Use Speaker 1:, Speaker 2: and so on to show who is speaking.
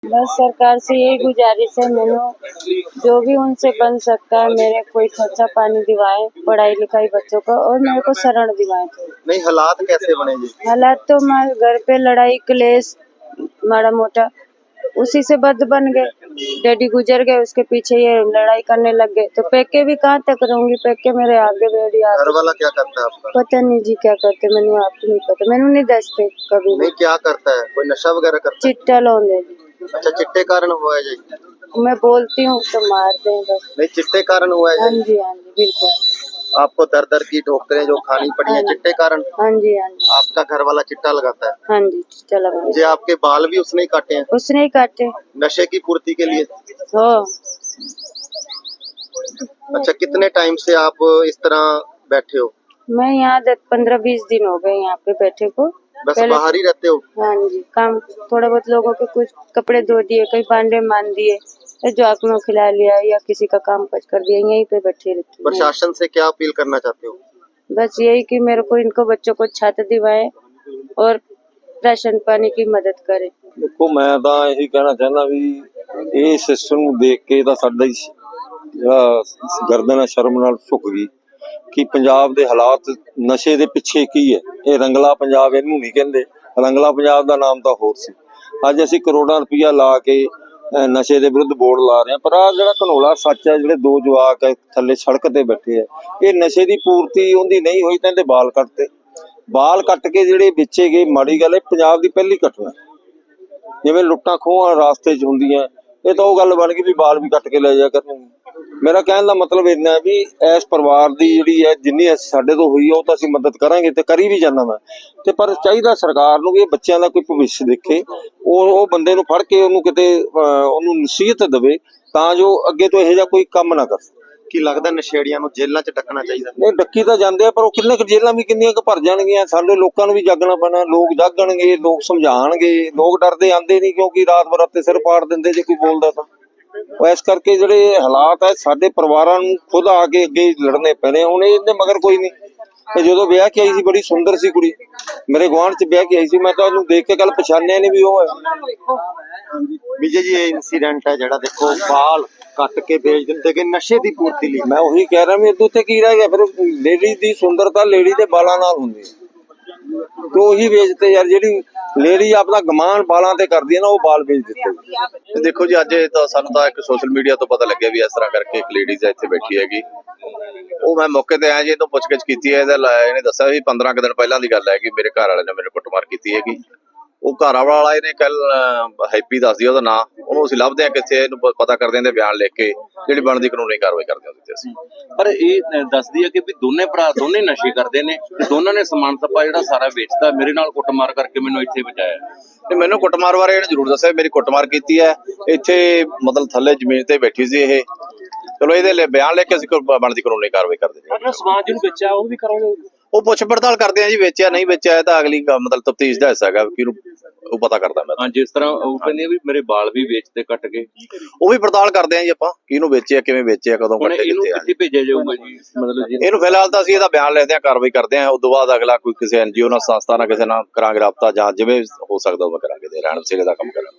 Speaker 1: बस सरकार से यही गुजारिश है मैंने, जो भी उनसे बन सकता है मेरे कोई खर्चा पानी दिवाए, पढ़ाई लिखाई बच्चों का, और मेरे को शरण दिवाए।
Speaker 2: नहीं, हालात कैसे बने जी?
Speaker 1: हालात तो हमारे घर पे लड़ाई क्लेश माड़ा मोटा उसी से बद बन गए। डैडी गुजर गए, उसके पीछे ये लड़ाई करने लग गए, तो पैके भी कहाँ तक रहूंगी, पैके मेरे आगे डैडी
Speaker 2: घर
Speaker 1: आगे।
Speaker 2: वाला क्या करता है आपका?
Speaker 1: पता नहीं जी क्या करते, मैंने आप नहीं पता, मैंने नहीं दसते कभी
Speaker 2: नहीं, क्या करता है? कोई नशा वगैरह करता है?
Speaker 1: चिट्टा लाਉਂਦੇ जी।
Speaker 2: अच्छा, चिट्टे कारण हुआ है जी?
Speaker 1: मैं बोलती हूँ तो मारते हैं बस।
Speaker 2: नहीं, चिट्टे कारण हुआ
Speaker 1: हाँ
Speaker 2: है जी?
Speaker 1: जी हाँ जी बिल्कुल।
Speaker 2: आपको दर दर की ठोकरें जो खानी पड़ी है चिट्टे कारण?
Speaker 1: हाँ जी हाँ जी।
Speaker 2: आपका घर वाला चिट्टा लगाता है?
Speaker 1: हाँ जी चिट्टा लगा।
Speaker 2: जी, आपके बाल भी उसने ही काटे हैं
Speaker 1: उसने ही काटे।
Speaker 2: नशे की पूर्ति के लिए?
Speaker 1: हो
Speaker 2: अच्छा, कितने टाइम से आप इस तरह बैठे हो?
Speaker 1: मैं यहाँ 15-20 दिन हो गए यहाँ पे बैठे को।
Speaker 2: बस बाहर ही रहते हो?
Speaker 1: हाँ जी, काम थोड़ा बहुत लोगों के कुछ कपड़े धो दिए, कई भांडे मान दिए, जोक में खिला लिया या किसी का काम काज कर दिया, यहीं पे बैठे रहती हूँ।
Speaker 2: प्रशासन से क्या अपील करना चाहते हो?
Speaker 1: बस यही कि मेरे को इनको बच्चों को छात्र दिवाए और राशन पानी की मदद करे।
Speaker 3: देखो मैं ਤਾਂ ਇਹੀ ਕਹਿਣਾ ਚਾਹੁੰਦਾ ਵੀ ਇਹ ਸਿਸਟਮ ਨੂੰ ਦੇਖ ਕੇ ਤਾਂ ਸਾਡਾ ਹੀ ਜਿਹੜਾ ਗਰਦਨ ਸ਼ਰਮ ਨਾਲ ਝੁਕ ਗਈ ਕਿ ਪੰਜਾਬ ਦੇ ਹਾਲਾਤ ਨਸ਼ੇ ਦੇ ਪਿੱਛੇ ਕੀ ਹੈ। ਇਹ ਰੰਗਲਾ ਪੰਜਾਬ ਇਹਨੂੰ ਨਹੀਂ ਕਹਿੰਦੇ, ਰੰਗਲਾ ਪੰਜਾਬ ਦਾ ਨਾਮ ਤਾਂ ਹੋਰ ਸੀ। ਅੱਜ ਅਸੀਂ ਕਰੋੜਾਂ ਰੁਪਈਆ ਲਾ ਕੇ ਨਸ਼ੇ ਦੇ ਵਿਰੁੱਧ ਬੋਰਡ ਲਾ ਰਹੇ ਹਾਂ, ਪਰ ਆਹ ਜਿਹੜਾ ਘਨੋਲਾ ਸੱਚ ਹੈ, ਜਿਹੜੇ ਦੋ ਜਵਾਕ ਹੈ ਥੱਲੇ ਸੜਕ ਤੇ ਬੈਠੇ ਆ, ਇਹ ਨਸ਼ੇ ਦੀ ਪੂਰਤੀ ਉਹਦੀ ਨਹੀਂ ਹੋਈ ਤਾਂ ਇਹਦੇ ਬਾਲ ਕੱਟ ਕੇ ਜਿਹੜੇ ਵੇਚੇ ਗਏ। ਮਾੜੀ ਗੱਲ ਹੈ, ਪੰਜਾਬ ਦੀ ਪਹਿਲੀ ਘਟਨਾ ਜਿਵੇਂ ਲੁੱਟਾਂ ਖੋਹਾਂ ਰਾਸਤੇ 'ਚ ਹੁੰਦੀਆਂ, ਇਹ ਤਾਂ ਉਹ ਗੱਲ ਬਣ ਗਈ ਵੀ ਬਾਲ ਵੀ ਕੱਟ ਕੇ ਲੈ ਜਾ ਕਰਨਗੇ। ਮੇਰਾ ਕਹਿਣ ਦਾ ਮਤਲਬ ਇੰਨਾ ਵੀ ਇਸ ਪਰਿਵਾਰ ਦੀ ਜਿਹੜੀ ਹੈ ਜਿੰਨੀ ਸਾਡੇ ਤੋਂ ਹੋਈ ਉਹ ਤਾਂ ਅਸੀਂ ਮਦਦ ਕਰਾਂਗੇ ਤੇ ਕਰੀ ਵੀ ਜਾਂਦਾ ਮੈਂ, ਤੇ ਪਰ ਚਾਹੀਦਾ ਸਰਕਾਰ ਨੂੰ ਵੀ ਇਹ ਬੱਚਿਆਂ ਦਾ ਕੋਈ ਭਵਿੱਖ ਦੇਖੇ, ਉਹ ਬੰਦੇ ਨੂੰ ਫੜ ਕੇ ਉਹਨੂੰ ਕਿਤੇ ਉਹਨੂੰ ਨਸੀਹਤ ਦੇਵੇ ਤਾਂ ਜੋ ਅੱਗੇ ਤੋਂ ਇਹੋ ਜਿਹਾ ਕੋਈ ਕੰਮ ਨਾ ਕਰ।
Speaker 2: ਕੀ ਲੱਗਦਾ ਨਸ਼ੇੜੀਆਂ ਨੂੰ ਜੇਲ੍ਹਾਂ 'ਚ ਡੱਕਣਾ ਚਾਹੀਦਾ?
Speaker 3: ਨਹੀਂ, ਡੱਕੀ ਤਾਂ ਜਾਂਦੇ ਆ, ਪਰ ਉਹ ਕਿੰਨੇ ਕੁ ਜੇਲ੍ਹਾਂ ਵੀ ਕਿੰਨੀਆਂ ਕੁ ਭਰ ਜਾਣਗੀਆਂ। ਸਾਡੇ ਲੋਕਾਂ ਨੂੰ ਵੀ ਜਾਗਣਾ ਪੈਣਾ, ਲੋਕ ਜਾਗਣਗੇ, ਲੋਕ ਸਮਝਾਣਗੇ। ਲੋਕ ਡਰਦੇ ਆਂਦੇ ਨਹੀਂ ਕਿਉਂਕਿ ਰਾਤ ਬਰਾਤੇ ਸਿਰ ਪਾੜ ਦਿੰਦੇ ਜੇ ਕੋਈ ਬੋਲਦਾ ਤਾਂ। ਇਸ ਕਰਕੇ ਜਿਹੜੇ ਹਾਲਾਤ ਹੈ ਸਾਡੇ ਪਰਿਵਾਰਾਂ ਨੂੰ ਖੁਦ ਆ ਕੇ ਅੱਗੇ ਲੜਨੇ ਪੈਣੇ। ਹੁਣ ਇਹਦੇ ਮਗਰ ਕੋਈ ਨਹੀਂ। ਤੇ ਜਦੋਂ ਵਿਆਹ ਕੇ ਆਈ ਸੀ ਬੜੀ ਸੁੰਦਰ ਸੀ ਕੁੜੀ, ਮੇਰੇ ਗੁਆਂਢ 'ਚ ਵਿਆਹ ਕੇ ਆਈ ਸੀ, ਮੈਂ ਤਾਂ ਉਹਨੂੰ ਦੇਖ ਕੇ ਕੱਲ ਪਛਾਣਿਆ ਨਹੀਂ ਵੀ ਉਹ ਹੈ।
Speaker 2: ਵਿਜੇ ਜੀ, ਇਹ ਇਨਸੀਡੈਂਟ ਹੈ ਜਿਹੜਾ ਦੇਖੋ ਬਾਲ ਕੱਟ ਕੇ ਵੇਚ ਦਿੰਦੇ ਕਿ ਨਸ਼ੇ ਦੀ ਪੂਰਤੀ ਲਈ।
Speaker 3: ਮੈਂ ਉਹੀ ਕਹਿ ਰਿਹਾ ਵੀ ਇਹਦੇ ਉੱਤੇ ਕੀ ਰਹਿ ਗਿਆ ਫਿਰ। ਲੇਡੀ ਦੀ ਸੁੰਦਰਤਾ ਲੇਡੀ ਦੇ ਬਾਲਾਂ ਨਾਲ ਹੁੰਦੀ ਹੈ, ਤੇ ਉਹੀ ਵੇਚਦੇ ਯਾਰ। ਜਿਹੜੀ ਲੇਡੀ ਆਪਣਾ ਗਮਾਨ ਬਾਲਾਂ ਤੇ ਕਰਦੀ ਹੈ ਨਾ, ਉਹ ਬਾਲ ਵੇਚ ਦਿੱਤੇ।
Speaker 4: ਦੇਖੋ ਜੀ, ਅੱਜ ਤਾਂ ਸਾਨੂੰ ਤਾਂ ਇੱਕ ਸੋਸ਼ਲ ਮੀਡੀਆ ਤੋਂ ਪਤਾ ਲੱਗਿਆ ਵੀ ਇਸ ਤਰ੍ਹਾਂ ਕਰਕੇ ਇੱਕ ਲੇਡੀਜ਼ ਇੱਥੇ ਬੈਠੀ ਹੈਗੀ। ਉਹ ਮੈਂ ਮੌਕੇ ਤੇ ਆਇਆ ਜੀ, ਇਹਨੂੰ ਪੁੱਛਗਿੱਛ ਕੀਤੀ ਹੈ। ਇਹਨੇ ਦੱਸਿਆ ਵੀ 15 ਕੁ ਦਿਨ ਪਹਿਲਾਂ ਦੀ ਗੱਲ ਹੈ ਕਿ ਮੇਰੇ ਘਰ ਵਾਲੇ ਨੇ ਮੇਰੇ ਕੁੱਟਮਾਰ ਕੀਤੀ ਹੈਗੀ। ਉਹ ਘਰ ਵਾਲਾ ਇਹਨੇ ਕੱਲ ਹੈਪੀ ਦੱਸਦੀ ਉਹਦਾ ਨਾਂ, ਉਹਨੂੰ ਅਸੀਂ ਲੱਭਦੇ ਹਾਂ ਕਿੱਥੇ, ਇਹਨੂੰ ਪਤਾ ਕਰਦੇ ਹਾਂ ਤੇ ਬਿਆਨ ਲਿਖ ਕੇ ਜਿਹੜੀ ਬਣਦੀ ਕਾਨੂੰਨੀ ਕਾਰਵਾਈ ਕਰਦੇ ਹਾਂ ਉਹਦੇ ਅਸੀਂ।
Speaker 5: ਪਰ ਇਹ ਦੱਸਦੀ ਹੈ ਕਿ ਵੀ ਦੋਨੇ ਭਰਾ ਦੋਨੇ ਨਸ਼ੇ ਕਰਦੇ ਨੇ, ਦੋਨਾਂ ਨੇ ਸਮਾਨ ਸੱਪਾ ਜਿਹੜਾ ਸਾਰਾ ਵੇਚਦਾ, ਮੇਰੇ ਨਾਲ ਕੁੱਟਮਾਰ ਕਰਕੇ ਮੈਨੂੰ ਇੱਥੇ ਬਚਾਇਆ।
Speaker 4: ਤੇ ਮੈਨੂੰ ਕੁੱਟਮਾਰ ਬਾਰੇ ਇਹਨੇ ਜ਼ਰੂਰ ਦੱਸਿਆ, ਮੇਰੀ ਕੁੱਟਮਾਰ ਕੀਤੀ ਹੈ ਇੱਥੇ, ਮਤਲਬ ਥੱਲੇ ਜ਼ਮੀਨ ਤੇ ਬੈਠੀ ਸੀ ਇਹ। ਚਲੋ ਇਹਦੇ ਲਈ ਬਿਆਨ ਲੈ ਕੇ ਅਸੀਂ ਬਣਦੀ ਕਾਨੂੰਨੀ ਕਾਰਵਾਈ ਕਰਦੇ ਹਾਂ।
Speaker 5: ਸਮਾਨ ਜਿਹਨੂੰ ਵੇਚਿਆ ਉਹ ਵੀ ਕਰਾਂਗੇ,
Speaker 4: ਉਹ ਪੁੱਛ ਪੜਤਾਲ ਕਰਦੇ ਆ ਜੀ, ਵੇਚਿਆ ਨਹੀਂ ਵੇਚਿਆ ਇਹ ਤਾਂ ਅਗਲੀ ਮਤਲਬ ਤਫਤੀਸ਼ ਦਾ ਹਿੱਸਾ ਹੈਗਾ ਕਿ ਉਹ ਪਤਾ ਕਰਦਾ ਮੈਂ।
Speaker 5: ਹਾਂ, ਜਿਸ ਤਰ੍ਹਾਂ ਉਹ ਕਹਿੰਦੇ ਵੀ ਮੇਰੇ ਬਾਲ ਵੀ ਵੇਚਦੇ ਕੱਟ ਕੇ,
Speaker 4: ਉਹ ਵੀ ਪੜਤਾਲ ਕਰਦੇ ਆ ਜੀ ਆਪਾਂ, ਕਿਹਨੂੰ ਵੇਚਿਆ, ਕਿਵੇਂ ਵੇਚਿਆ, ਕਦੋਂ ਕੱਟੇ,
Speaker 5: ਇਹਨੂੰ
Speaker 4: ਕਿੱਥੇ ਆ।
Speaker 5: ਕਿੱਥੇ ਭੇਜਿਆ ਜਾਊਗਾ ਜੀ? ਮਤਲਬ
Speaker 4: ਇਹਨੂੰ ਫਿਲਹਾਲ ਤਾਂ ਅਸੀਂ ਇਹਦਾ ਬਿਆਨ ਲੈਂਦੇ ਆ, ਕਾਰਵਾਈ ਕਰਦੇ ਆ, ਉਸ ਤੋਂ ਬਾਅਦ ਅਗਲਾ ਕੋਈ ਕਿਸੇ NGO ਨਾਲ ਸੰਸਥਾ ਨਾਲ ਕਿਸੇ ਨਾਲ ਕਰਾਂਗੇ ਰਾਬਤਾ, ਜਾਂ ਜਿਵੇਂ ਹੋ ਸਕਦਾ ਉਹ ਕਰਾਂਗੇ, ਰਹਿਣ ਬਸੇਰੇ ਦਾ ਕੰਮ ਕਰਾਂਗੇ।